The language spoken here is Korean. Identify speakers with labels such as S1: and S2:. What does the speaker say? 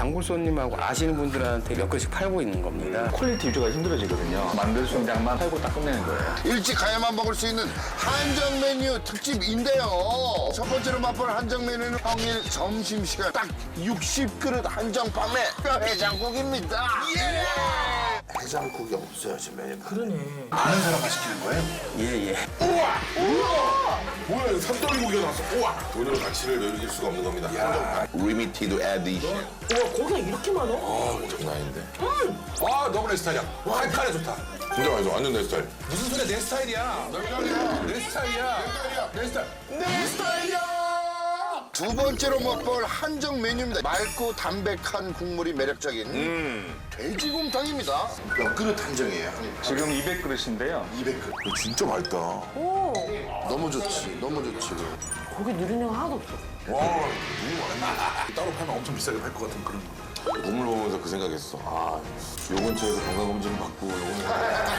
S1: 단골 손님하고 아시는 분들한테 몇 그릇씩 팔고 있는 겁니다.
S2: 퀄리티 유지가 힘들어지거든요. 만들 수 있는 양만 팔고 딱 끝내는 거예요.
S3: 일찍 가야만 먹을 수 있는 한정 메뉴 특집인데요. 첫 번째로 맛볼 한정 메뉴는 평일 점심시간 딱 60그릇 한정 판매 해장국입니다. 예! 해장국이 없어요 지금 메뉴.
S4: 그러네.
S3: 아는 사람만 시키는 거예요?
S1: 예.
S5: 뭐야, 이거 삼돌이고기가 나왔어. 우와! 돈으로 가치를 매길 수가 없는 겁니다. 한정판. Limited edition.
S4: 와, 고기가 이렇게 많아?
S5: 장난 아닌데. 아, 너무 내 스타일이야. 칼칼해 좋다. 진짜 맛있어. 완전 내 스타일.
S6: 무슨 소리야, 내 스타일이야. 내 스타일이야.
S5: 내 스타일이야!
S3: 두 번째로 맛볼 한정 메뉴입니다. 맑고 담백한 국물이 매력적인 돼지곰탕입니다. 몇 그릇 한정이에요?
S2: 지금 200그릇인데요.
S3: 200그릇.
S5: 이거 진짜 맛있다. 와,
S4: 오,
S3: 너무 좋지, 너무 좋지.
S4: 고기 누리는 거 하나도 없어.
S5: 너무 많네. 따로 팔면 엄청 비싸게 팔 것 같은 그런 거. 몸을 보면서 그 생각했어. 아, 요번 주에도 건강검진 받고, 요번